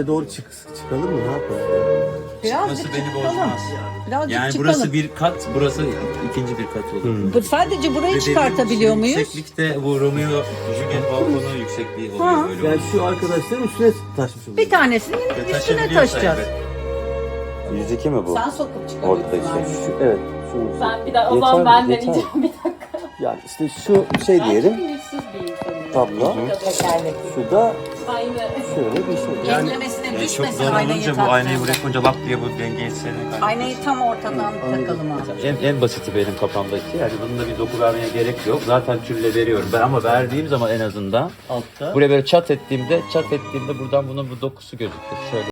üste doğru çıkalım mı? Ne yapalım? Birazcık Çıkması beni çıkalım. bozmaz. Birazcık Yani çıkalım. burası bir kat, burası ikinci bir kat olur. Sadece burayı Ve çıkartabiliyor dediğim muyuz? Yükseklikte bu Romeo Juliet balkonu yüksekliği oluyor Ha. böyle. Yani şu arkadaşların üstüne taşmış oluyor. Bir tanesinin Ve üstüne taşabiliyorsa taşacağız. evet. 102 mi bu? Sen sokup çıkarıyorsun. Ortadaki. abi. Evet. Şu, Ben bir daha o Yeter zaman mi? ben Yeter deneyeceğim mi? bir dakika. Yani işte şu şey diyelim. Ben güçsüz bir insanım. Tablo. Tekerlekli. Şu da Aynı. şöyle bir şey. Enlemesine Çok düşmesin zor aynayı olunca bu taktığında. aynayı buraya koyunca lap diye bu dengeyi senin kaybediyorsun. Aynayı tam ortadan takalım abi. En basiti benim kafamdaki. Yani bunun da bir doku vermeye gerek yok. Zaten tülle veriyorum. Ben ama verdiğim zaman en azından altta. buraya böyle çat ettiğimde buradan bunun bu dokusu gözükür. Şöyle.